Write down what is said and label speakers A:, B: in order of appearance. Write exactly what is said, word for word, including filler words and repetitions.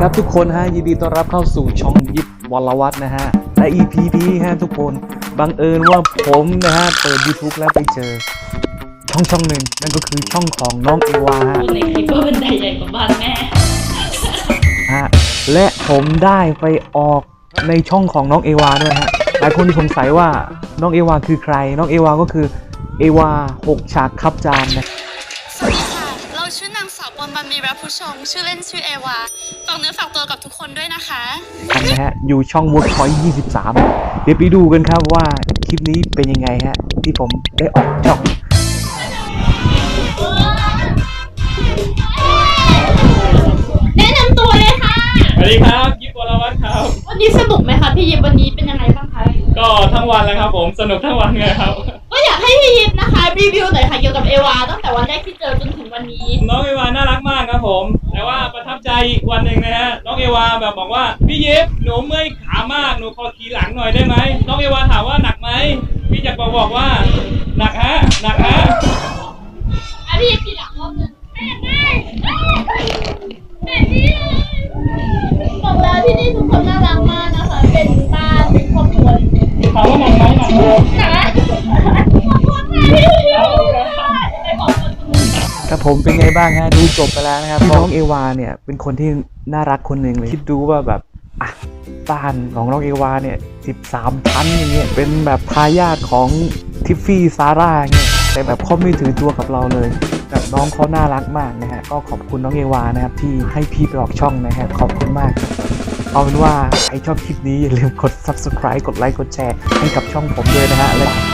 A: ครับทุกคนฮะยินดีต้อนรับเข้าสู่ช่องยิปวรวัฒน์นะฮะและ อี พี นี้ฮะทุกคนบังเอิญว่าผมนะฮะเปิด YouTube แล้วไปเจอช่องช่องหนึ่งนั่นก็คือช่องของน้องเอวาฮะ
B: ในคลิปว่าเป็นใดใหญ่กว่าบ้านแม่
A: ฮะและผมได้ไปออกในช่องของน้องเอวาด้วยฮะหลายคนสงสัยว่าน้องเอวาคือใครน้องเอวาก็คือเอวาหกฉากคับจานนะ
C: สวัสดีค่ะ เราชื่อนางสาวปนบันมีรัผู้ชม ชื่อเล่นชื่อเอวาฝากเนื้อฝากตัวกับทุกคนด้วยนะคะ
A: นะฮะอยู่ช่อง Workpoint ยี่สิบสามเดี๋ยวไปดูกันครับว่าคลิปนี้เป็นยังไงฮะที่ผมได้ออกช่อง
B: แนะนำตัวเลยค่ะ
D: สวัสดีครับยิปวรวัฒน์ครับ
B: วันนี้สนุกไหมคะพี่ยิปวันนี้เป็นยังไงบ้างคะ
D: ก็ทั้งวันแล้วครับผมสนุกทั้งวันเลยครับ
B: ก็อยากให้พี่ยิปนะคะรีวิวหน่อยค่ะเกี่ยวกับเอวาตั้งแต่วันแรกที่เจอจนถึงวันนี้
D: น้องเอวาน่ารักมากครับผม แต่ว่าประทับใจอีกวันหนึ่งนะฮะน้องเอวาแบบบอกว่าพี่ยิปหนูเมื่อยขามากหนูขอขี่หลังหน่อยได้ไหมน้องเอวาถามว่าหนักไหมพี่จักรบอกว่าหนักฮะหนักฮะ
B: อ่ะพี่ยิปกี่หลังรอบนึงแม่ได้แม่ดีบอกแล้วที่นี่ทุกคนน่ารักมากนะคะ เป็นบ้านเป็นครอบครัว
D: ถามว่าหนักไหมหนักเลย
B: นะขอบคุณค่ะพี่ยิปไปขอบคุณ
A: ครับผมเป็นไงบ้างฮะดูจบไปแล้วนะครับน้องเอวาเนี่ยเป็นคนที่น่ารักคนหนึ่งเลยคิดดูว่าแบบอ่ะบ้านของน้องเอวาเนี่ยสิบสามชั้นอย่างเงี้ยเป็นแบบทายาทของทิฟฟี่ซาร่าเงี้ยแต่แบบเขาไม่ถือตัวกับเราเลยแบบน้องเขาน่ารักมากนะฮะก็ขอบคุณน้องเอวานะครับที่ให้พี่ไปออกช่องนะฮะขอบคุณมากเอาเป็นว่าใครชอบคลิปนี้อย่าลืมกด ซับสไครบ์ กดไลค์กดแชร์ให้กับช่องผมด้วยนะฮะและ